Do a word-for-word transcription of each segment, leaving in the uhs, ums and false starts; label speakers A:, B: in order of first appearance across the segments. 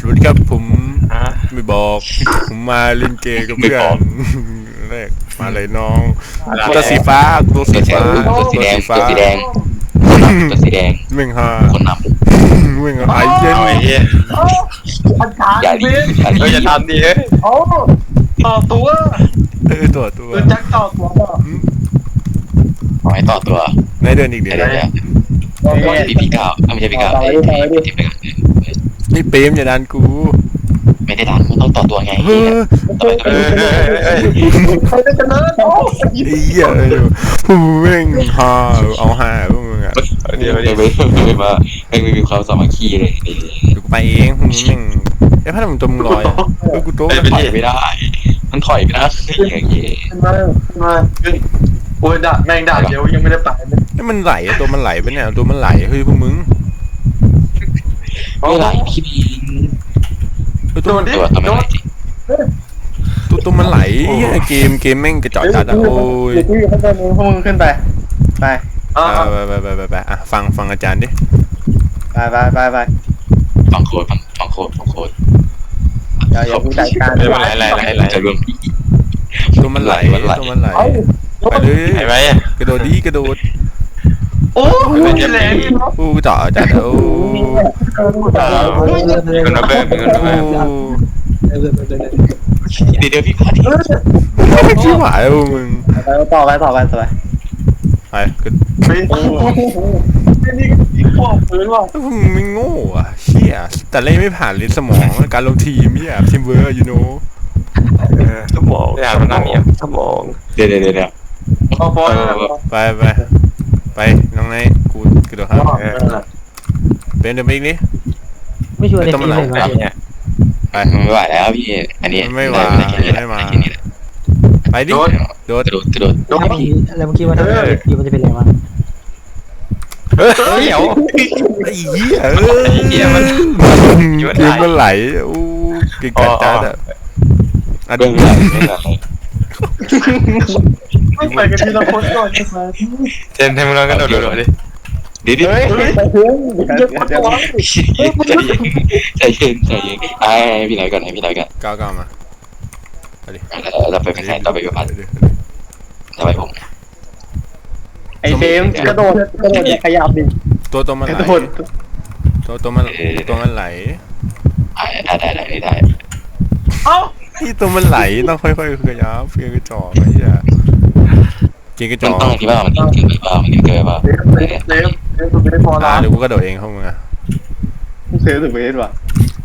A: วัสดีครับผมไม่บอกผมมาเล่นเกมกับเพื่อนแรกมาเลยน้องตัวสีฟ้าตัวสีฟ้า
B: ตัวสีแดงตัวสีแดงตัวสีแดง
A: เม่งฮา
B: คนน
A: เม่งไอ้เย็น
B: อย่าดีอย่าดี
C: อย่าทำดิเฮ้ยโอ้ต่อตัว
A: เออตัวตัว
C: จักต่อตัว
B: ขอให้ต่อตัว
A: ในเดือนอีกเดือน
B: พี่พี่ก้าวไม่ใช่พี่ก้าว
A: นี่เปรมอย่าดันกู
B: ไม่ได้ดันมันต้องต่อตัวไง
A: เฮ้ยเฮ้ย
C: ใครจะเนิร์ดโอ้
A: ยเหี้ยผู้เม่งฮาเอาฮาพวกมึงอ่ะ
B: เดี๋ยวเดี๋ยวไม่ไม่มาไม่มีความสามัคคีเลย
A: กูไปเองมึงแม่งไอ้พัดมึงตัวมึงลอยเออกูโต
B: มันถอยไม่ได้มันถอยไม่ได้อย่างเงี้ย
C: มามาโอ้ยด่าแม่งด่าเดี๋ยวยังไม่ได้ไปเลย
A: นี่มันไหลตัวมันไหลไปเนี่ยตัวมันไหลเฮ้ยพวกมึง
B: ไม่ไหลพี่บิน
A: ตัว
B: ตัวตัวมันไหล
A: ตัวตัวมันไหลเกมเกมแม่งกระจอกจัดอะโอ้ย
C: ขึ้นไปมึงพวกมึงขึ้นไปไป
A: ไปไปไปไปไปอ่ะฟังฟังอาจารย์ดิ
C: ไปไปไปไป
B: ฟังโค้ดฟังฟังโค้ดฟังโค้ด
C: อย่าอย่าพูดใจการ
B: ไม่ไหลไหลไหลไหลจะรวมพี่
A: ตัวมันไหลตัวมันไหลไปเลย
B: ไปไป
A: กระโดดดีกระโดด
C: โอ้ยแรง
A: โอ้จ่อจัดโอ้
B: มันมาเบิ้มมันมาเบิ้มเดี๋ยวเดี๋ยวพี่พาดิ
A: ชิบหายเลยมึง
C: ต่อไปต่อไปต่อไป
A: ไปก็
C: นี่นี่ขอบพื้นว่ะ
A: มึงไม่โง่อะเชี่ยแต่เล่นไม่ผ่านลิ้นสมองการลงทีมเนี่ยทีมเวิร์กยูโน่
B: สมองอยากมันนั่งเนี่ยสมองเดี๋ยวเดี๋ยวเดี๋ยว
A: ไปไปไปน้องนายกูกระโดดครับเป็นเดิมอีกนี่
D: ไม่ช่วยเลย
A: ต้องมาหลังเนี่ย
B: ไปไม่ไหวแล้วพี่อันนี้
A: ไม่ไหวไม่มาไปดิโดด
B: โดดโดด
D: โดดแล้วเมื่อกี้ว่าถ้าคิวมันจะเป็นอะไรวะ
A: เฮ้ยเดี๋ยวไอ้เหี้ยเอ้ยเหี้ยมันเกมมันไหลอู้เก่งกัดจัดอ่ะ
B: อ่ะเบื้องหลังเบื้องหลัง
C: ไม่ไปกันทีละคนก่อนใช่ไหม
B: เจนทำมึงลองกระโดดโดดดิดิดิ
C: เฮ้ยเฮ้ย
B: ใจเย็นใจเย็นไอ้พี่ไหนก่อนให้พี่ไหนก่อน
A: ก้าวก้าวมา
B: เราไปไม่ใช่เราไปกับพันเราไปผม
C: ไอ้เฟมกระโดดกระโดดขยับดิ
A: ตัวตัวมันไหลตัวตัวมันตัวมันไหล
B: ได้ได้ได้ได้
C: เอ้า
A: ที่ตัวมันไหลต้องค่อยๆขยับเพียงกระจอกไอ้เหี้ยเก่งกระจอก
B: ต้องที่ว่ามันเกินไปบ้างมันเกินไปบ้าง
C: เซฟเซฟเซฟไม่พอละ
A: เดี๋ยวกูกระโดดเองเข้ามึงอะ
C: เซฟถึงเวทว่ะ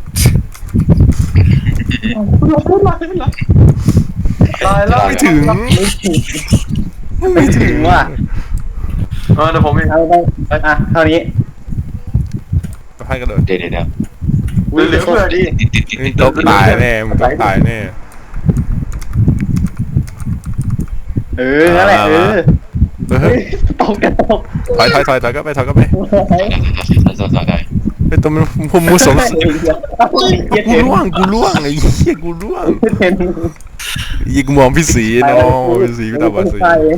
C: ตายแล้ว
A: ไม่ถึง
C: ไม่ถึงว่ะเออเดี๋ยวผมไปเอาไปอ่ะเท่านี้
A: ก็ให้กระโดด
B: เดี๋ยวเดี๋ยว
C: เหลือเพื่อดิ
A: มึงตกตายแน่มึงตกตายแน่
C: เออนั่นแหละเออเฮ้ยตกกันตก
A: ถอยถอยถอยถอยก็ไปถอยก็ไปไอ้ตัวมันผมมูสมกูล่วงกูล่วงไอ้เหี้ยกูล่วงยิงมองพี่สีน้องพี่สีพี่ตาบอดสี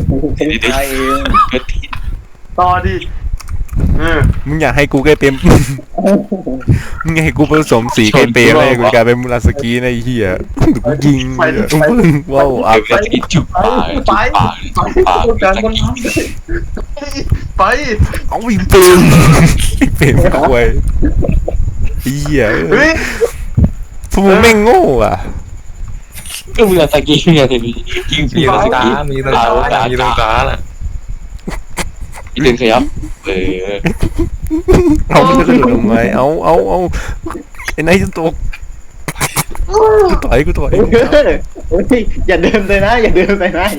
C: ต่อดิ
A: มึงอยากให้กูใกล้เต็มมึงอยากให้กูผสมสีใกล้เปรย์เลยกูกลายเป็นมูราสกีในเหี้ยกูยิงว้าวอ่ะ
B: ไปจุบปาก
C: ไป
B: ปาก
C: การบนน้ำไป
A: เอาวิ่งเปรย์เปรย์ไม่ควรเหี้ยพวกมึงแม่งโง่อ่ะ
B: ก็มูราสกีไงทีนี้ยิงมีตรงกลางมีตรงกลางมีตรงกลางอ่ะอีเดนขยับเออ
A: เอาไม่ได้กระโดดลงไปเอาเอาเอาไอ้นายจะตกกูต่อยกูต่อย
C: อย่าเดินเลยนะอย่าเดินไปนะ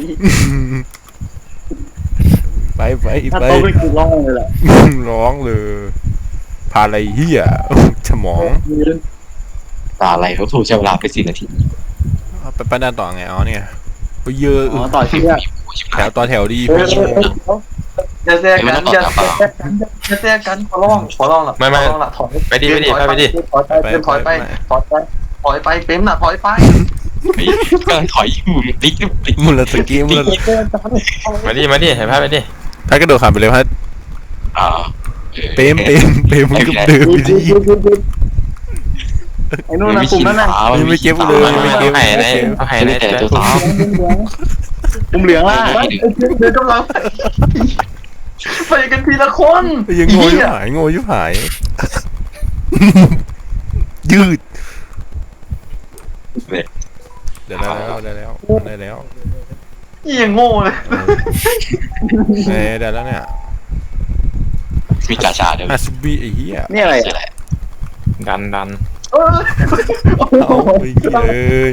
A: ไปไป
C: ไปถ้าโตไปกูร้องเลยแหละ
A: ร้องเลยพาอะไรเหี้ยสมอง
B: ตาอะไรเขาถูกใช้เวลาไปสี่นาที
A: ไปไปด้านต่อไงอ๋อเนี่ยไปเยอะ
C: ต่อเชือก
A: แถวต่อแถวดี
C: อย่าแทรกกันอย่าแทรกกันอย่าแทรกกันขอร้องขอร้องล่ะ
B: ไม่ไม่
C: ถอย
B: ไปดิไปดิไปดิ
C: ถอยไปถอยไปถอยไปถอยไปเต็มน่ะถอยไป
B: กำลังถอยอยู่ติ๊กติ๊ก
A: มุลสกีมุล
B: มาดิมาดิเห็นภาพไปดิ
A: ถ้ากระโดดขามไปเลยพัดเปมเปมเปมมึงก็เดินไปดิ
C: ไอ้นู่นนะกลุ่มนั้นน่ะ
A: ยังไม่เก็บเลยยังไม่เก็บ
E: หายในหายใน
B: แต่
E: แต่
B: ตัว
E: ตัว
B: สาว
C: กลุ่มเหลืองล่ะเดินกำลังไปกันทีละคน
A: ยังโง่ยุบหายโง่ยุบหาย ยืดเดี๋ยวได้แล้วได้แล้วได้แล้ว
C: ยี่ยังโง่เลย
A: เอ้ได้แล้วเนี่ย
B: มีกาชาด้วย
A: อาซูบิไอ้เหี้ย
C: นี่อะไร
B: ใช่แหละ
E: ดันดัน
C: เออ
A: เอาไอ้เหี้ยเอ้ย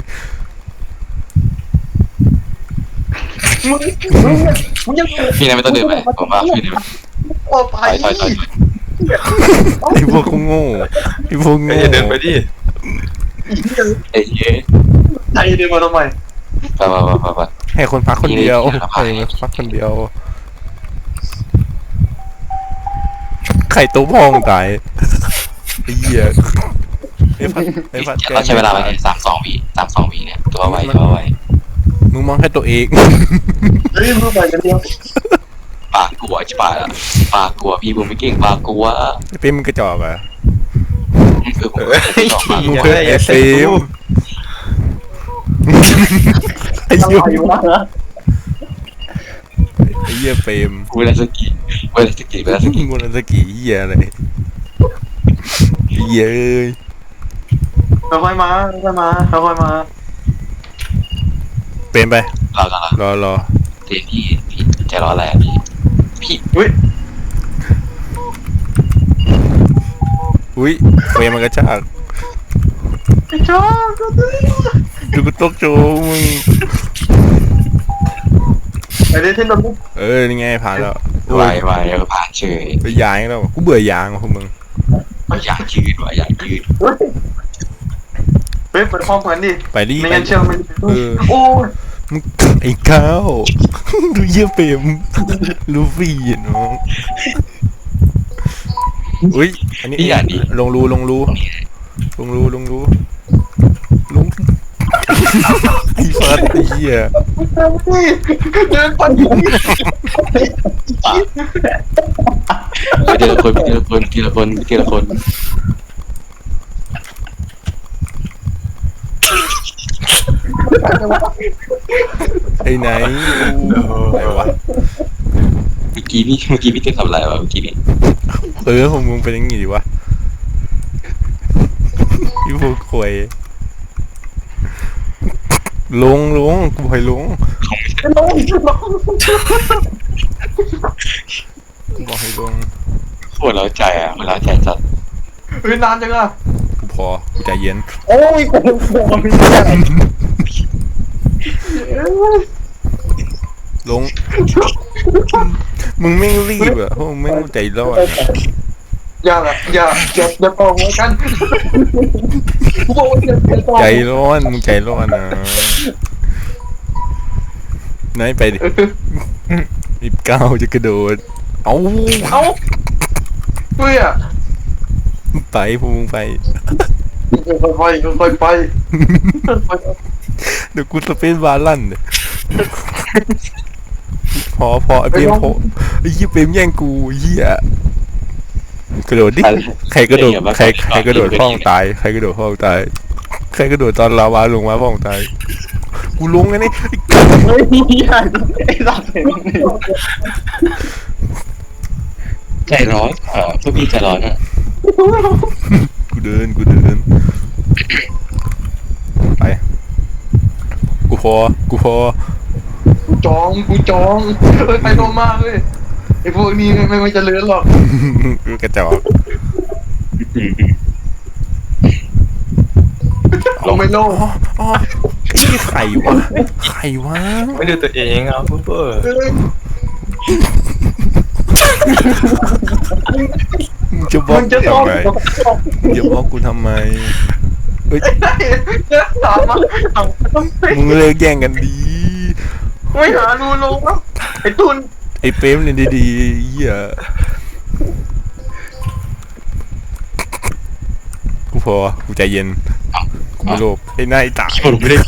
C: มึงมึงมึงยัง
B: พี่นายไม่ต้องเดินไปผมว่าพี่นาย
C: ออกไป
B: ถอยถอยถอย
A: ไอ้พวกโง่ไอ้พวกโง่
E: อย่าเดินไปดิ
B: เอ้ย
C: ใจเดินมาทำไม
B: ไปไปไปไป
A: ให้คนพักคนเดียวให้คนพักคนเดียวไข่ตัวพองตายไอ้เหี้ยไอ้พัดไอ้พัดแก
B: เราใช้เวลาไปสามสองวิสามสองวิเนี่ยตัวไวตัวไว
A: มึงมองแค่ตัวเอง
C: เฮ้ยมึงไปกันเดียว
B: ปากกลัวใช่ปะปากกลัวพี่ผมไม่เก่งปากกลัว
A: ไอ้เป้มึงกระจอกอ่ะ
B: คือผม
E: อย่า
A: มึง
E: อย่า
A: เคย
E: อย่า
A: ไอ้
E: เซ็
A: เป้
E: ง
A: มไอ้
C: อะ
A: เหี้ย
C: ไรวะ
A: ไอ้เหี้ยเป้ม
B: เวลาสกีเวลาสกีเวลาส
A: มึ
B: กี
A: งวันสกีเหี้ยอะไรเหี้ยเอ้ย
C: ค่อยๆมาค่อยๆมาค่อยๆมา
A: เป้มไป
B: เรากันละ
A: รอรอ
B: เดี๋ยวพี่พี่ใจร้อนอะไรพี่พี่
C: อุ้ย
A: อุ้ยเป้มมันกระชาก
C: ไอ้ชอบก็ได้
A: ดูกูตกโจมึง
C: ไอ้เล่นเทนโดน
A: เออนี่ไงผ่านแล้ว
B: ไวไวแล้วผ่านเฉย
A: ไปยางแล้วกูเบื่อยางว่ะพวกมึง
B: อยากยืดว่ะอยากยืด
C: เฮ้ยเฮ้ยเปิดห้องเหมือนดิ
A: ไปดิ
C: ไม่
A: ไป
C: งั้นเชื่อมัน
A: เออ
C: โอ้ย
A: มึงไอ้ข้าวดูเยี่ยเปรมลูฟี่อะน้องอุ้ยอันนี้
B: พี่อยากดี
A: ลงรูลงรูลงรูลงรูลงไอ้ฟัดไอ้เหี้ย
C: เดินไป
B: ไปทีละคนทีละคนทีละคนทีละคน
A: ไอ้ไหนไหนวะ
B: เมื่อกี้พี่เมื่อกี้พี่เต้นทำอะไรวะเมื่อกี้นี่
A: เออของมึงเป็นอยังไงดีวะพี่พวกควยลงลงกูให้ลง
C: ลงลง
A: กูบอกให้ลง
B: โคตรเล้าใจอ่ะมันเล้าใจจัด
C: เฮ้ยนานจังอ่ะ
A: กูพอกูใจเย็น
C: โอ้ยกูบอกไม่ได้
A: ลง มึงไม่งรีบอ่ะพวกมึงไม่งใจร้อนอะ
C: อย่าละอย่าอย่าอย่าต่อหัวกันกูบอกว่าอย่าอย่าต่อ
A: ใจร้อนมึงใจร้อนนะไหนไปดิอีบก้าวจะกระโดด เอา
C: เอ้าเฮ้ยอ่ะ
A: ไปพวกมึงไป
C: ค่อยๆไปค่อยๆไป
A: เดี๋ยวกูสเปซบาร์ลั่นเนี่ยพอพอไอ้เปรมพอไอ้เหี้ยเปรมแย่งกูเหี้ยกระโดดดิใครกระโดดใครใครกระโดดพ่องตายใครกระโดดพ่องตายใครกระโดดตอนลาวาลงมาพ่องตายกูลงไงนี่
C: เฮ้ยอย่าไอ้สัตว์
B: ใจร้อนเออพวกพี่ใจร้อนอ่ะ
A: กูเดินกูเดินไปกูพอกูพอ
C: กูจองกูจองเฮ้ยไปโนมากเลยไอ้พวกนี้ไม่ไม่จะเลื้อนหรอก
A: กูกระจอก
C: ลงไม่โลง
A: อ๋ออ๋อไอ้นี่ไข่วะไข่วะ
E: ไม่ดูตัวเองอ่ะปุ๊บเบอร์
A: มึงจะบล็อ
C: มึ
A: ก
C: งจะ
A: กู
C: ต้อง
A: ทำไมมึงจะบล็อกกูทำไมเอ้ย
C: จะถามมาต้อง
A: มึงเลิกแย่งกันดี
C: ไม่หารูลงแล้วไอ้ตุน
A: ไอ้เป๊มเนี่ยดีๆเหี้ยกูพอกูใจเย็นกูไม่โลภไอ้นายตาย
B: ลงไม่ได้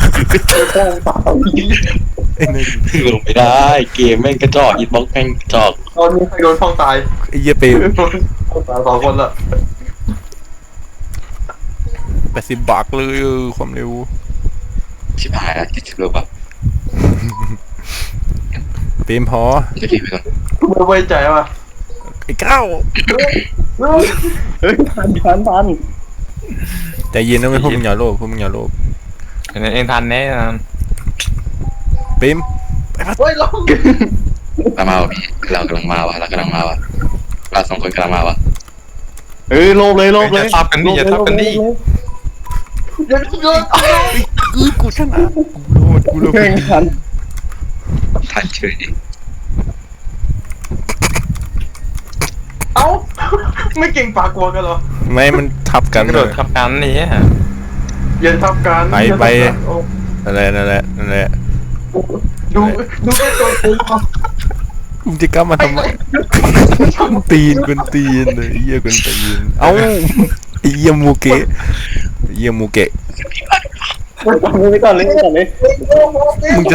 A: ไอ้นาย
B: ลงไม่ได้เกมแม่งกระจอกอินบ็อกแม่งกระจอก
C: ตอนนี้ใครโดนฟองตาย
A: ไอ้เหี้ยเป๊ม
C: ฟองตายสองคนละ
A: แปดสิบบาทเลยเออความเร็ว
B: ชิบหายแล้วเจ็ดสิบโลป่ะ
A: เต็มพอ
B: จะรีบไปก่อน
C: ไม่ไว้ใจว่ะ
A: ไอ้ก้าว
C: เฮ้ยทันทันทัน
A: ใจเย็นนะไม่พวกมึงอย่าโลภพวกมึงอย่าโลภ
E: เห็นเองทันแน่นอน
A: เต็มไปพัด
C: เฮ้ยลง
B: มามาวะพี่เรากำลังมาวะเรากำลังมาวะเราสองคนกำลังมาวะ
C: เฮ้ยโลบเลยโลบเลย
E: อย่าทับกันดิอย่าทับกันดิ
C: อย่าโยน
A: กูกูชนะกูโลภกูโลภ
C: แข่งขัน
B: ทันเฉย
C: เอ้าไม่เก่งปากกลัวกันเหรอ
A: ไม่มันทับกัน
E: กระโดดทับกันนี่ฮะ
C: อย่าทับกัน
A: ไปไปนั่นแหละนั่นแหละนั่นแหละ
C: ดูดูแค่ตัวกู
A: มึงจะกล้ามาทำไมกุนตีนกุนตีนเลยไอ้เหี้ยกุนตีนเอ้าไอ้เหี้ยมูเกะไอ้เหี้ยมูเกะ
C: ไปก่อนเลยไปก่อนเลย
A: มึงจะ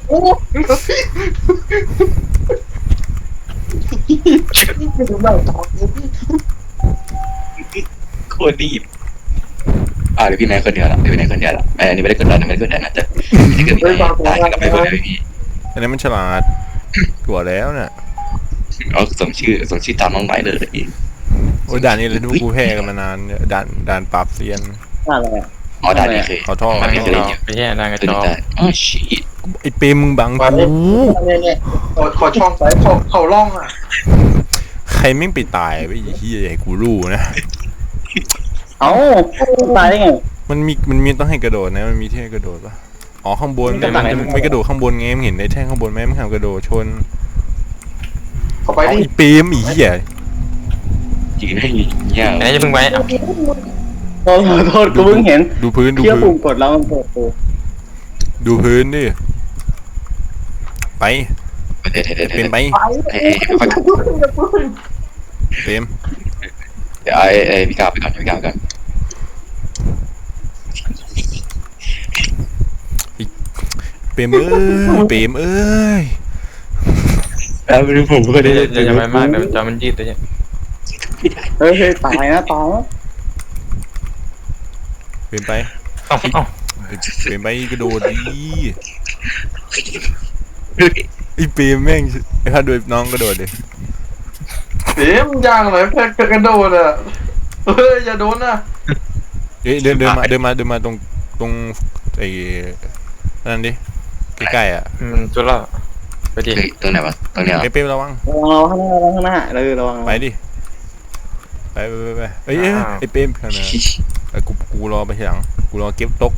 B: โคตรดีบอ่าเดี๋ยวพี่แม่คนเดียวละเดี๋ยวพี่แม่คนเดียวละไอ้อันนี้ไม่ได้กดดันไม่ได้กดดันนะแต่ถ้าเกิดพี่ตายก็ไม่เป็นไรพี่
A: อันนี้มันฉลาดกว่าแล้วน่ะ
B: เอาส่งชื่อส่งชื่อตามน้องไม้เลยพี่
A: โอ้ยด่านนี้เลยดูกูแพ้กันมานานเนี่ยด่านด่านปราบเซียน
C: อะไรอ่ะ
B: อ๋อได้นี่เคย
A: ขอโทษ
B: มันไม่เคยเล่นอยู่
E: ไปแย่ดังกระ
B: ตัว
E: จ
B: นี้
E: อก
B: ได้อ๋อชีต
A: ไอ้เปรมมึงบังกู
C: ขอขอช่องไปเขาเขาล่องอ่ะ
A: ใครไม่งไปตายไปไอ้เหี้ยให้กูรู้นะ
C: เอ้าตายได้ไง
A: มันมีมันมีต้องให้กระโดดนะมันมีที่ให้กระโดดปะอ๋อข้างบน
C: มันกระต่าย
A: มันไม่กระโดดข้างบนไงมึงเห็นในแท่งข้างบนไหมมึงทำกระโดดชน
C: เขาไป
A: เอา
C: ดิ
A: ไอ้เปรมอีเหี้ย
B: ยืนให้เงี้ย
E: ไหนจะเพิ่งไปอ่ะ
C: โทษโทษกูเพิ่งเห็น
A: ดูพื้นดู
C: เที่ยว
A: พื้
C: ปุ่
A: น
C: มกดแล้วมันเปิดตัว
A: ดูพื้นดิไป
B: เดี๋ยวเดี๋ยวเดี๋ยว
A: เป็นไป
B: เอ้ยค่อย
A: เปรม
B: เดี๋ยวไอ้ไอ้พี่กาวไปก่อนพี่กาวก่อน
A: เปรมเอ้ยเปรมเอ้ย
B: แล้วไม่รู้ผมก็ได้
E: อย่าอย่าไปมากเดี๋ยวจอมันยืดเลย
C: เฮ้ยตายนะตายนะ
A: เปรมไป
E: เอ้าเอ้า
A: เปรมไปกระโดดดิไอ้เปรมแม่งไอ้ข้าโดยน้องกระโดดดิ
C: เดี๋ยวมันย่างเลยแค่กระโดดอ่ะเฮ้ยอย่าโดนนะ
A: เอ้ยเดินเดินมาเดินมาเดินมาตรงตรงไอ้นั่นดิใกล้ๆอ่ะ
E: มันจุดละไปดิ
B: เฮ้ยตรงไหนวะตรงเนี้ย
A: ไอ้เปรมระวัง
C: ระวังเราข้างหน้าระวังข้างหน้าเลยระวัง
A: ไปดิไปไปไปไปเอ้ยเอ้ยไอ้เปรมขนาดไอ้กูกูรอไปทีหลังกูรอเก็บตก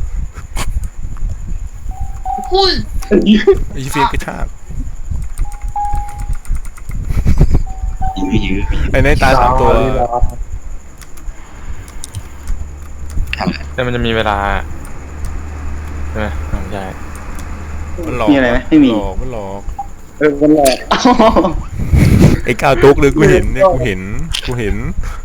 C: อุ้ย
A: ไอ้เฟียกระชาก
B: ยื้อยื้อ
A: ไอ้ในตาสามตัว
B: ทำอะไร
E: แต่มันจะมีเวลาใช่ไหมใช่
A: มันหลอก
C: มีอะไรไหมไม่มี
A: หลอกมันหลอก
C: เออมันหลอก
A: ไอ้ก้าวตกเลยกูเห็นเนี่ยกูเห็นกูเห็น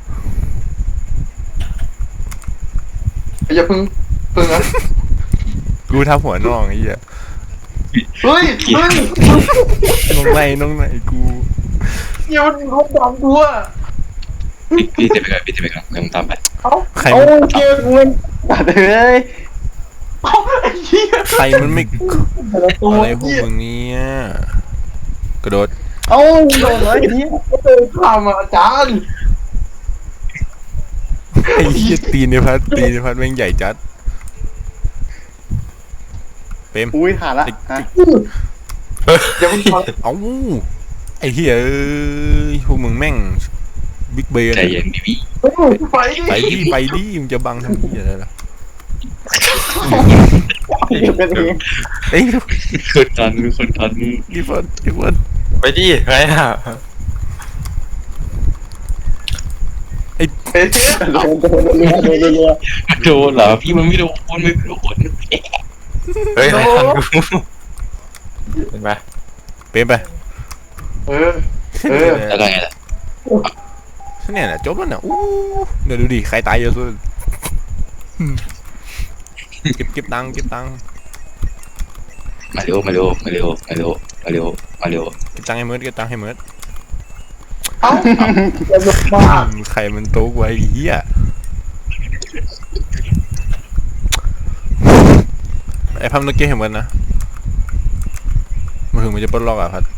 C: อย่าพึ่งพึ่งนะ
A: กูทับหัวน้องไอ้เหี้ย
C: เฮ้ยเฮ้ย
A: น้องในน้องในกู
C: อย่ามันรบกวนกูอ่ะ
B: พี่พี่จะไปก่อนพี่จะไปก่อนกำลังตามไป
C: เอ้า
A: ใคร
C: โอ้
A: มัน
C: เกมกูมันตัดเลยเอ้าไอ้เหี้ย
A: ใครมันไม่
C: ตัว
A: อะไรพวก
C: เหี้ย
A: มึงเนี่ยกระโดด
C: เอ้าโดนเลยไอ้เหี้ยก็เดินข้ามมาอาจารย์
A: ไอ้เหี้ยตีนในพัดตีนในพัดแม่งใหญ่จัดเปรม
C: อุ้ยขาดละฮะ
B: เดี๋ยวมึง
A: เอ้าไอ้เหี้ยเอ้ยพวกมึงแม่งบิ๊กเบน
B: ใจเย็นดิพี่
C: ไป
A: ไปดิไปดิมึงจะบังทำเหี้ยอะไรล่ะ
C: เดี๋ยวเป็นเอง
A: เอ้ย
B: คนทันคนทัน
A: ดิฟอนดิฟอน
E: ไปดิใครอ่ะ
C: เฮ้ยโดนโดนโดนโดนโดนโดน
B: โดนเหรอพี่มันไม่โดนไม่โดน
E: เฮ้ยใครทันกูเห็นไหม
A: เปรมไป
C: เออ เออ
B: แล้วก็ไงล่ะ
A: เนี่ยนะจบแล้วเนี่ยอู้เดี๋ยวดูดิใครตายเยอะสุดเก็บเก็บตังค์เก็บตังค์
B: มาเร็วมาเร็วมาเร็วมาเร็วมาเร็วมาเร็ว
A: เก็บตังค์ให้เมิร์ดเก็บตังค์ให้เมิร์ด
C: เอ้าจะลุกบ้า
A: ใครมันโต๊ะไว้เหี้ยอ้พัมตะกี้เห็นมันนะมันถึงมันจะปลดล็อกอ่ะพัด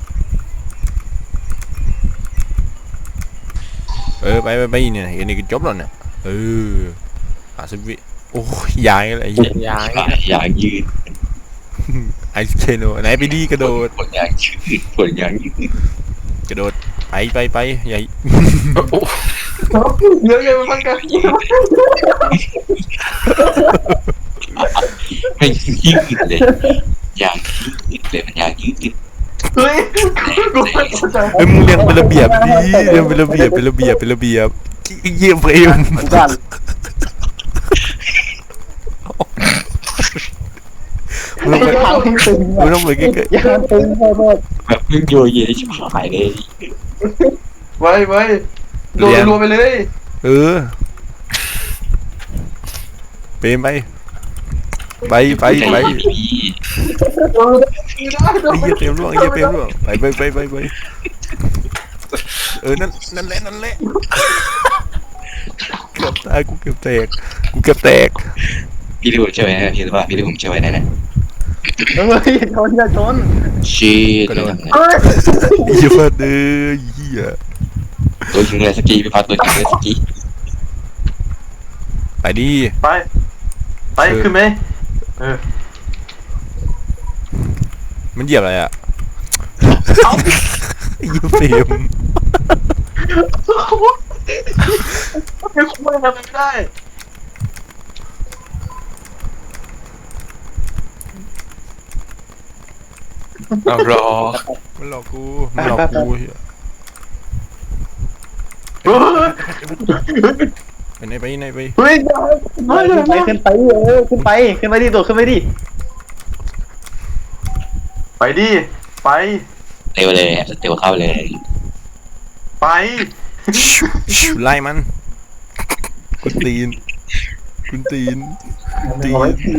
A: เออไปไปไปเนี่ยอันนี้ก็จบแล้วเนี่ยเอออาสิบวิโอ้ยยายอะไรเหี้ย
E: ยาง
B: อย่างยืด
A: ไอซ์เคโนไหนไปดีกระโดด
B: ผลอย่างยืดผลอย่างยืด
A: กระโดดไปไปไปใหญ่
C: เยอะเยอะมันกัน
B: ไม่ยืดเลยอย่างยืดเลยมันอย่างยืด
C: เฮ้ยกูไม่เข้าใจ
A: เฮ้ยมึงเรียงเป็นระเบียบดิเรียงเป็นระเบียบเป็นระเบียบเป็นระเบียบเยี่ยมเฟรม
C: กัน
A: มึงต้องไป
C: ทางตึง
A: มึงต้องไปใกล้
C: ยางตึงพอหมด
B: แบบมึงโยเยชิบหายเลย
C: ไว้ไว้โดนรัวไปเลย
A: ๆเออเปรมไปไปไปไป
B: พี่
C: โดนได้โด
A: ไอ้
C: น
A: เหี้ยเปรมร่วงไอ้เหี้ยเปรมร่วงไปไปไปไปไปเออนั่นนั่นแหละนั่นแหละเกือบตายกูเกือบแตกกูเกือบแตก
B: พี่ดูใช่ไหมพี่รู้ป่ะพี่ดูผมใช่ไหมนั่นแหละ
C: เฮ้ยชนอย่าชน
B: ชีดเลย
C: เฮ้ย
A: ไอ้เหี้ยเฟิร์ดเอ้ยเหี้ย
B: ตัวจริงเลยสกีพี่พัดตัวจริงเลยสกี
A: ไปดิ
C: ไปไปขึ้นไหมเออ
A: มันเหยียบอะไรอ่ะไอ้เหี้ยเฟรม
C: ไม่คุ้มทำไม่ได้
E: เอารอ
A: มันหลอกกูมันหลอกกูเหี้ย
C: เฮ้ย
A: ไปไหนไปไหนไป
C: เฮ้ยไปขึ้นไปเออขึ้นไปขึ้นไปดิตัวขึ้นไปดิไปดิไป
B: เร็วเลยเร็วเข้าเลย
C: ไป
A: ชูชูไล่มันคุณตีนคุณตีนคุณตี
C: เอาไว้
A: น
C: ที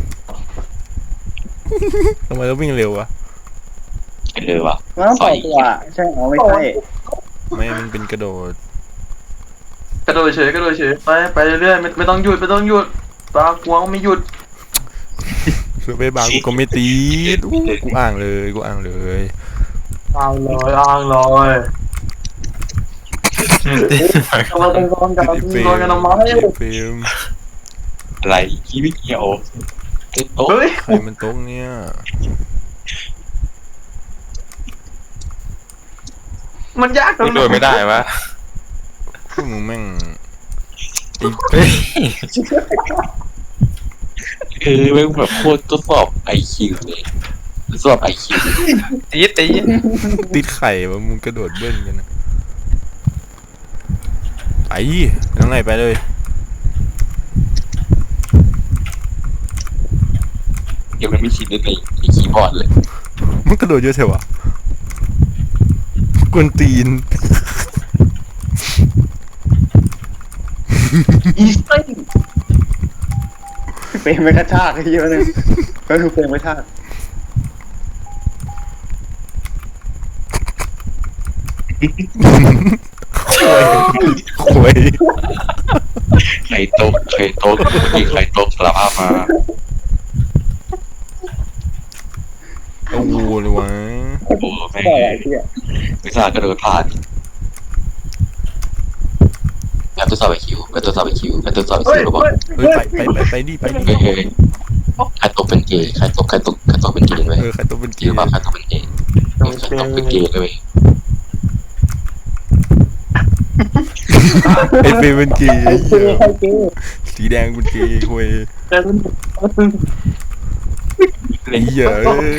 A: ทำไมเราวิ่งเร็ววะ
B: เร็วว่ะ
C: น้ำปล่อยตัวใช่อ๋อไม่ใช่
A: ไม่มันเป็นกระโดด
C: กระโดดเฉยกระโดดเฉยไปไปเรื่อยๆไม่ไม่ต้องหยุดไม่ต้องหยุดตากวงไม่หยุด
A: เสือไปบางกูก็ไม่ตีดอู้กูอ่างเลยกูอ่างเลย
C: อ้างเลยอ้างเลยเราต้องโดนกัน
A: ไอ้เฟร
C: โด
A: ม
C: นกันทำไม
A: ไอ้เฟรม
B: อะไรขี้ไม่เกี่ยวโต๊ะ
C: เฮ้ย
A: ใครมันโต๊ะเนี่ย
C: มันยากตรง
E: โดนไม่ได้วะ
A: พวกมึงแม่งไอ้
E: เฮ้ย
B: เออแม่งแบบโคตรทดสอบไอคิวเลยทดสอบไอคิว
E: ตีตี
A: ติดไข่วะมึงกระโดดเบิ้ลกันนะไปน้องไหนไปเลย
B: เดี๋ยวมันไม่ชินในไอคีย์บอร์ดเลย
A: มันกระโดดเยอะเถอะวะกวนตีน
C: อีสเต้เฟรมไม่กระชากเยอะเลยก็คือเฟรมไม่กระชาก
A: โวย
B: ใครโต๊ะใครโต๊ะมีใครโต๊ะสารภาพมา
A: โอ้โหเลยวะ
B: โอ้แม่งไม่ทราบกระโดดผ่านการทดสอบไอคิวการทดสอบไอคิวการทดสอบไอคิวก็บอก
A: เฮ้ยไปไปไปไปดิไปดิ
B: เฮ้ยเฮ้ยใครตกเป็นเกย์ใครตกใครตกใครตกเป็นเกย์ไว้
A: เออใครตัวเป็น
B: คิ
A: เกี
B: วย ว่า
A: ร์
B: ใครตกเป็นเกย์ใครตกเป็นเกย์เลย
A: ไอ้เฟรมเป็นเกียร์ไอ้เหี้ยสีแดงเป็นเกียร์คุยไอ้เหี้ยเอ้ย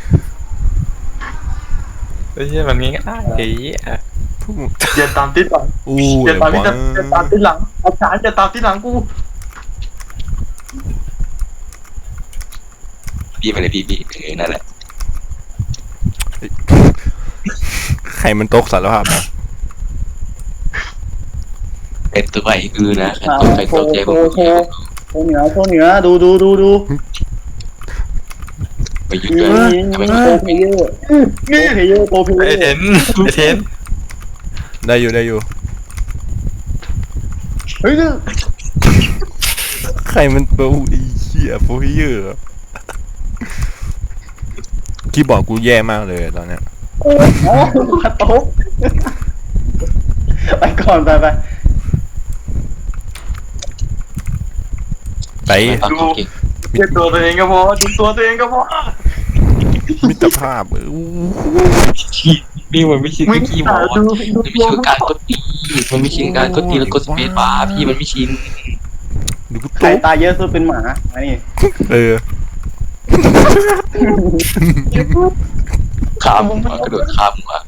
E: ไอ้เหี้ยมันง่ายไอ้เหี้ย
A: พวกมึง
C: เดี๋ยวตามติดหลัง
A: อู้
C: เดี๋ยว
A: เล
C: ตาม
A: ยวะ
C: ติดเดี๋ยวตามติดหลังอาจารย์จะตามติดหลังกู
B: พี่ไปเลยพี่พี่เออนั่นแหละ
A: ใครมันตกสารภาพนะ
B: เป็นตัวไอ้คือนะใครตกใครตกใจผม
C: โชว์เหนือโชว์เหนือดูดูดูดู
B: ไปหยุดเลยทำไม
C: โปรเพเยอร์นี่เพเยอร์โปรเพเยอ
E: ไอ้
C: ร์
E: เทนไอ้เทน
A: ได้อยู่ได้อยู่
C: เฮ้ย
A: ใครมันโปรไอ้เหี้ยโปรเยอร์คีย์บอร์ดกูแย่มากเลยตอนเนี้ย
C: โอ้กระตุกไปก่อนไปไป
A: ไป
B: ตัดตัวเก่ง
C: เก็บตัวตัวเองก็พอดูตัวตัวเองก็พอ
A: มิตรภาพเอออู้
B: นี่มันไม่ใช่คีย์บอร์ด
C: ดู
B: มันไม่ใช่การกดตีมันไม่ใช่การกดตีแล้วกดสเปซบาร์พี่มันไม่ชิน
A: ดูกู
C: ใคร
A: ตุ๊บ
C: ตายเยอะสุดเป็นหมาอันนี้
A: เออ
B: ข้ามมากระโดดข้ามมา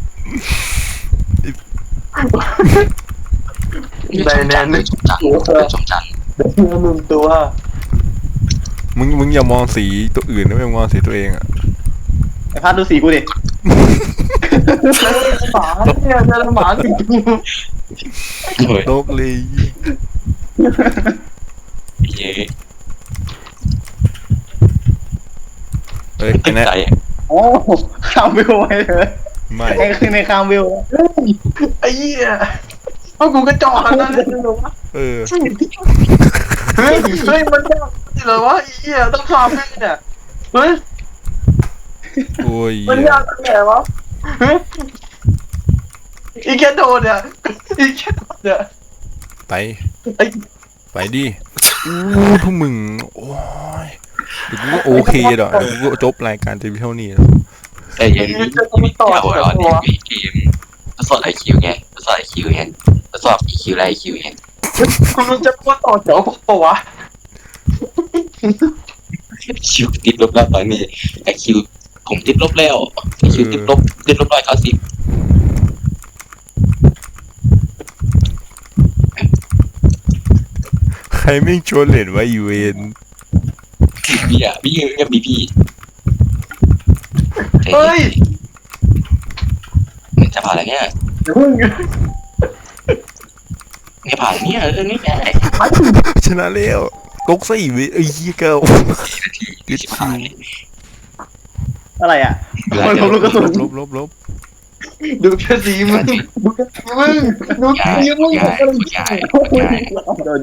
B: ได้แน่เลยชมจันชมจัน
C: หนึ่งตัว
A: มึงมึงอย่ามองสีตัวอื่นนะไม่มองสีตัวเองอ่ะ
C: ไอ้พัดดูสีกูดิหมาเนี่ยเจอหมาหนึ่งตัว
B: เฮ้ย
A: โลกเลย
B: เย้
A: เฮ้ย
B: ตั้ง
A: แน่
B: ใจ
C: โอ้ข้ามวิวไปเลย
A: ไม่
C: ไอ้คือในข้ามวิวไอ้เหี้ยเพราะกูกระจอกนั่นเลย
A: เออ
C: เฮ้ยเฮ้ยมันจะเหรอวะไอ้เหี้ยต้องข้ามแม่เนี่ยเฮ้ย
A: โอ้ย
C: มันยากตรงไหนวะเฮ้ยอีแค่โดนเนี่ยอีแค่โดนเนี่ย
A: ไป
C: ไอ้
A: ไปดิอู้พวกมึงโอ้ยเดี๋ยวกูก็โอเคดอกเดี๋ยวกูก็จบรายการเต็มเท่านี้แล้ว
B: แต่ยังมีมีเก่าอ่ะเนี่ยมีเกมทดสอบไอคิวไงทดสอบไอคิวไงทดสอบอีคิวและไอคิวไง
C: คุณรู้จะพูดต่อแถวปะวะ
B: คิวติดลบแล้วตอนนี้ไอคิวผมติดลบแล้วไอคิวติดลบติดลบร้อยเก้าสิบ
A: ใครไม่ชวนเล่นว่าอีเวน
B: พี่อ่ะพี่ยังมีพี่
C: เฮ้ย
B: มันจะผ่านอะไรเนี่ย
C: เพิ่ง
B: ไม่ผ่านเนี่ยเออนี่ไง
A: ชนะแล้วตกซะอีเวนไอ้เหี้ยเก้า
B: ยี่สิบห้า
C: อะไรอ่ะ
B: เวลา
C: มัน
B: จะ
C: ลบลูกกระสุน
A: ลบลบลบ
C: ดูแค่สีมึงดูแค่สีมึงดู
B: ง่าย
C: สีมึง
B: ง่ายง่ายง่าย
C: โดน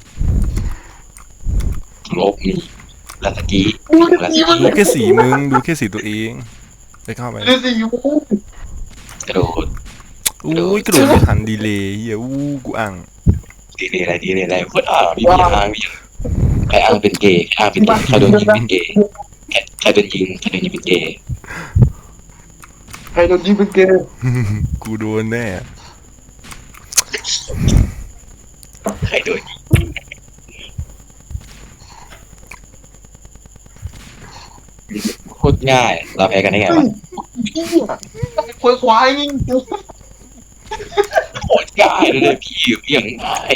B: ลบนี่ลาสกี้ลาส
A: ดู
B: กี้
A: แค่สีมึงดูแค่สีตัวเองไปเข้าไป
C: ดูสีมึง
B: กระโดด
A: อุ้ยกระโดดไม่ทันดีเลยเหี้ยอู้กูอ่าง
B: ดีเลยอะไรดีเลยอะไรพูดอ่าพี่พี่อ้างพี่ใครอ้างเป็นเกย์อ้างเป็นเกย์ใครโดนยิงเป็นเกย์ใครโดนยิงใครโดนยิงเป็นเกย์
C: ใครโดนยิงเป็นเกย์
A: กูโดนแน่
B: ใครโดนยิงโคตรง่ายเราแพ้กันได้ไงวะ
C: ควายควายยิง
B: โคตรง่ายเลยพี่พี่อย่างง่าย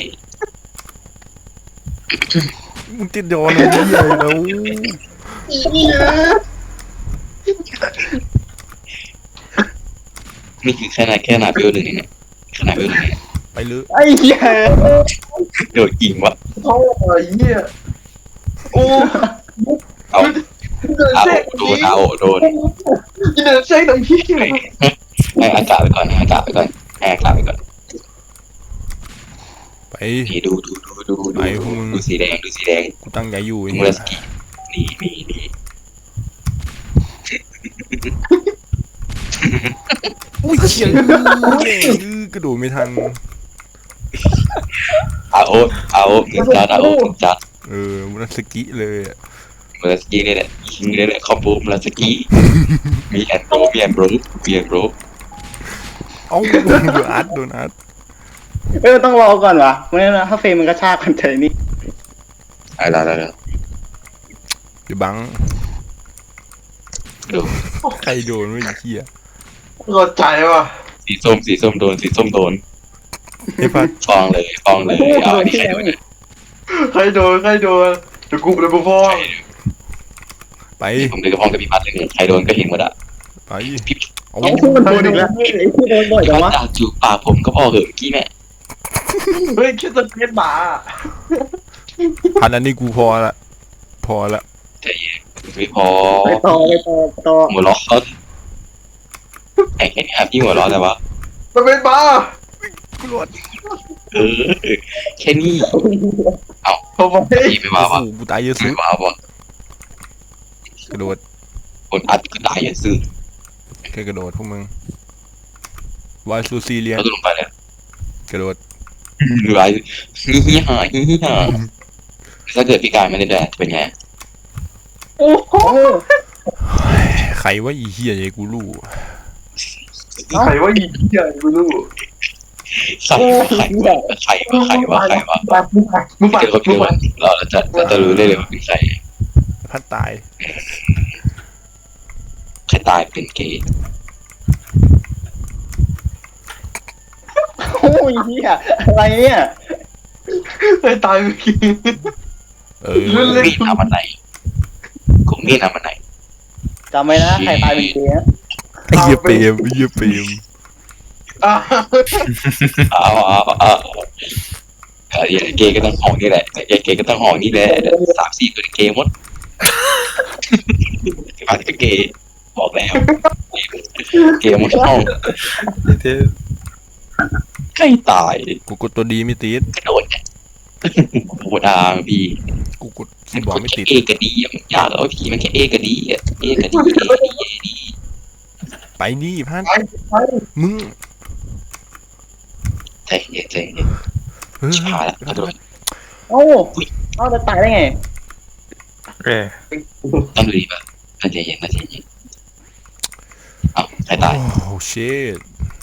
A: มึงติดโดนอะไรเหี้ยแล้ว
B: นี่คือแค่ไหนแค่หนาเบลหนึ่งเนี่ยขนาดเบลหนึ่งเนี่ย
A: ไปเลย
C: ไอ้เหี้ย
B: โดนยิงวะ
C: โอ้ยเหี้ยโอ้
B: เอา
C: เดิน
B: เอา
C: เช็ค
B: โดนเอาโดน
C: เดินเช็คตรงที่
B: ให้อากาศไปก่อนให้อากาศไปก่อนให้อากาศไปก่อน
A: ไป
B: นี่ดูดูดูดูดู
A: ไปพวกมึง
B: ดูสีแดงดูสีแดง
A: กูตั้งใจอยู่ไอ้
B: มู
A: เหี้
B: ราย สกินี่นี่นี่
A: อุ้ยเหี้ยอื้อกระโดดไม่ทัน
B: เอาเอาหนึ่งจานเอาหนึ่งจาน
A: เออมุนสกิเลยอะ
B: มูราสกินี่แหละยิงนี่แหละคอมโบมูราสกิมีแอนโบมีแอนโบรมีแอนโบร
A: เอ้าโดนอัดโดนอัด
C: เออต้องรอก่อนวะไม่งั้นถ้าเฟรมมันกระชากกันใจนี่
B: อะไรอะไรอะไร
A: เดี๋ยวบัง
B: ดู
A: ใครโดนวะไอ้เหี้ย
C: รอใจว่ะ
B: สีส้มสีส้มโดนสีส้มโดน
A: ไอ้พัด
B: ฟองเลยฟองเลยเอาอันนี้ใครโดนเนี่ย
C: ใครโดนใครโดนเดี๋ยวกูเดี๋ยวกูฟ้อง
A: ไป
B: ผมเดินกับฟองกับพี่พัดเลยเนี่ยใครโดนก็เห็นหมดอะ
A: ไป
B: พี่
A: เอา
C: ไอ้ที่มันโดนอีกแล้วไอ้ที่โดนบ่อย
B: พี่
C: จัง
B: พัด
C: วะ
B: จากจูบปากผมก็พอเหอะเมื่อกี้แม่
C: เฮ้ยแค่จะเป็นหมา
A: พันอันนี้กูพอละพอละ
B: ใจเย็นไม่พอ
C: ไปต่อไปต่อต่อ
B: หัวเราะเขาไอ้แค่นี้ครับพี่หัวเราะแต่ว่า
C: มันเป็นหมา
A: กูรอด
B: เออแค่นี้
C: ผมบอกให้
B: พี่ไม่ว่า
A: โอ้
B: วะ
A: โหกูตายเยอะสุ
B: ไม่
A: ด
B: ว่าวะ
A: กระโดด
B: ผคนอัดก็ตายอย่าซื้อ
A: แค่กระโดดพวกมึงวายซูซีเลียน
B: เขาต้องลงไปแล้ว
A: กระโดด
B: หรือไรฮิฮิฮาฮิฮิฮาถ้าเกิดพี่กายไม่ได้แดดจะเป็นไง
C: โอ้โห
A: ใครว่าอีเหี้ยไอ้กูรู้
C: ใครว่าอีเหี้ยกูรู้
B: ใครวะใครวะใครวะใครวะใครวะ
C: มึงไปมึงไป
B: เจอเขา
C: มึ
B: เจ
C: ง
B: อ
C: ไป
B: วันเราจะเราจะรู้ได้เลยว่าเป็นใคร
A: พัดตาย
B: ใครตายเป็นเกย์
C: โอ้ยเหี้ยอะไรเนี่ยไปตายเมื่อกี้
A: เออ
B: มีดทำอะไรกูมีดทำอะไร
C: จำไว้นะใครตายเป็นเกย์นะ
A: ไอ้เหี้ยเปรมไอ้เหี้ยเปรม
C: อ่า
B: เอาเอาเอาเออเกย์ก็ต้องห้องนี่แหละเกย์ก็ต้องห้องนี่แหละสามสี่ตัวเกย์หมดมาที่เกย์บอกแล้วเกย์หมดห้อง
E: เท่
B: ใครตาย
A: กูกดตัวดีไม่ติด
B: กระโดดเนี่ยโหดาพี่
A: กูกดคีย์บอร์ดไม่ติด
B: เอกระดีอ่ะมันยากแล้วพี่มันแค่เอกระดีอ่ะเอกระดีเอกระดีเอกระดี
A: ไปนี่พัด
C: ไปไป
A: มึง
B: ใจเย็นใจเย็น
A: เฮ้ย
B: ชิบหายละกระโดด
C: โอ้เอ้าจะตายได้ไง
E: เอ้ย
B: ต้องดูดีป่ะใจเย็นใจเย็นเอ้าใครตาย
A: โอ้ชิต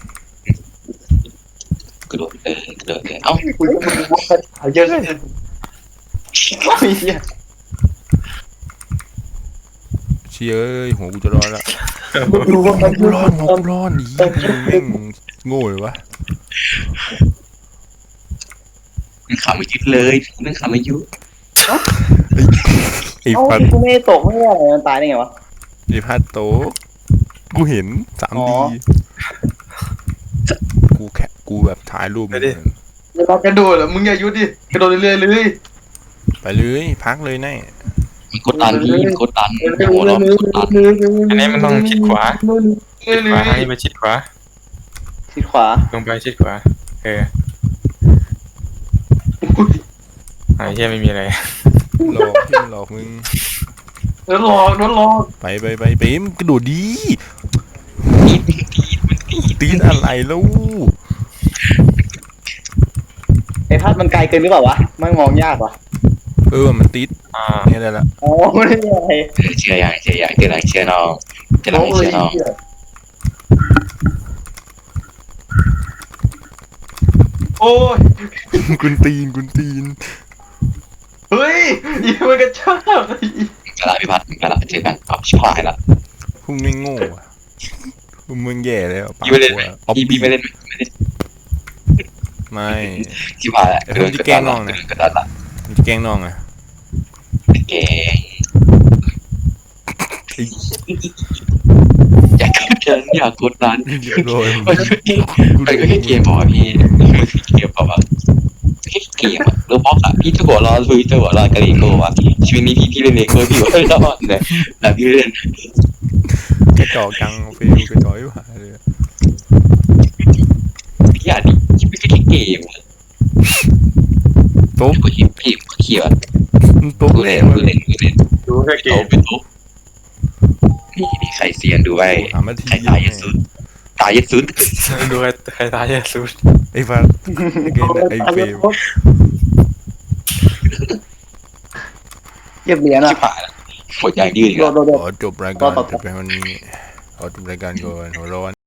B: กระโดดเออกระโดดเลยเอ้า
C: กูจะมึงว่าตายเยอะเลยโอ้ยเหี้ย
A: เชี่ยเอ้ยหัวกูจะร้อนละ
C: มึงรู้ว่ามัน
A: กูร้อนหัวกูร้อนอีมึงแม่งโง่เลยวะ
B: มันขำไม่ยุดเลยมันขำไม่ยุด
A: ไอ้
C: เอ้า
A: พัด
C: กูไม่ได้ตกไม่ได้อะไรมันตายได้ไงวะ
A: ไอ้พัดโตกูเห็นสาม
C: อ๋
A: ดี
C: อ
A: กูแค่กูแบบถ่ายรูปมัน
C: เวลากระโดดเหรอมึงอย่าหยุดดิกระโดดเรื่อยๆเลย
A: ไปเลยพักเลยแน่
B: มันกดดันพี่มันกดดันหัวเราะมันกดดัน
E: อันนี้มันต้องชิดขวาชิดขวาให้ไปชิดขวา
C: ชิดขวา
E: ลงไปชิดขวาเออไอ้เหี้ยไม่มีอะไร
A: หลอกที่มันหลอกมึง
C: แล้วรอแล้วรอ
A: ไปไปไปไปมึงกระโดดดี
B: ตีดตีดมันตีด
A: ตีนอะไรแล้ว
C: ไอ้พัดมันไกลเกินหรือเปล่าวะมันมองยากว่ะ
A: เออมันติด
E: อ่า
A: เนี่ยได้ละ
C: อ๋อไม่ได้อะไร
B: เชื่ออย่างเชื่ออย่างเชื่ออย่างเชื่อน้องเชื่อน้องเชื่อน้อง
C: โอ้ย
A: กุนตีนกุนตีน
C: เฮ้ยอีมันกระชาก
B: กระดาษพิพัฒน์กระดาษเจอกันเอาชิบหายละ
A: พวกไม่งโง่อะพวกมึงแย่แล้วปาก
B: พี่ไม่เล่น
A: ก
B: ไหม
A: ลัวเอา
B: พี่พี่ไม่เล่นไหมไม่เล่น
A: ไม่
B: ชิบหายละกระดาษกระดาษละ
A: มันจะแกล้งน้องอะ
B: เก่งอยากกดดันอยากกดดัน
A: เรียบร้อย
B: มันก็เกมมันก็แค่เกมพอพี่เกมพอแบบแค่เกมอะแล้วบล็อกอะพี่จะหัวร้อนพี่จะหัวร้อนกับเลโก้อะชีวิตนี้พี่พี่เล่นเลโก้พี่หัวร้อนเลยแล้วพี่เล่น
A: กระจอกจังฟิลกระจอกอยู่หายเลย
B: พี่อ่ะดิชีวิตก็แค่เกม
A: โต๊ะ
B: ก็เห็นเกมเขียว
A: โต๊ะ
B: กู
A: แร
B: เล่
A: ง
B: น
A: เล
B: กู
A: ย
B: เล่นกูเล่น
E: ดูแค่เก
B: โต๊ะ
E: ม
B: เป็นโต๊ะนี่นี่ใครเซียนด้วย
A: ถามมาที
B: ใครตายยัดสุดตายยัดสุด
E: ดูใครใครตายแย่สุด
A: ไอ้ฟันไอ้เกมไอ้เฟม
C: เก็บเหรียญ
B: ชิ
C: อ่ะ
B: บหายละหมดอย่างยืดอีก
C: โด
B: แล้ว
C: ดโดดโดด
A: ขอจบรายการแต่เพียงวันนี้ขอจบรายการก่อนหัวร้อน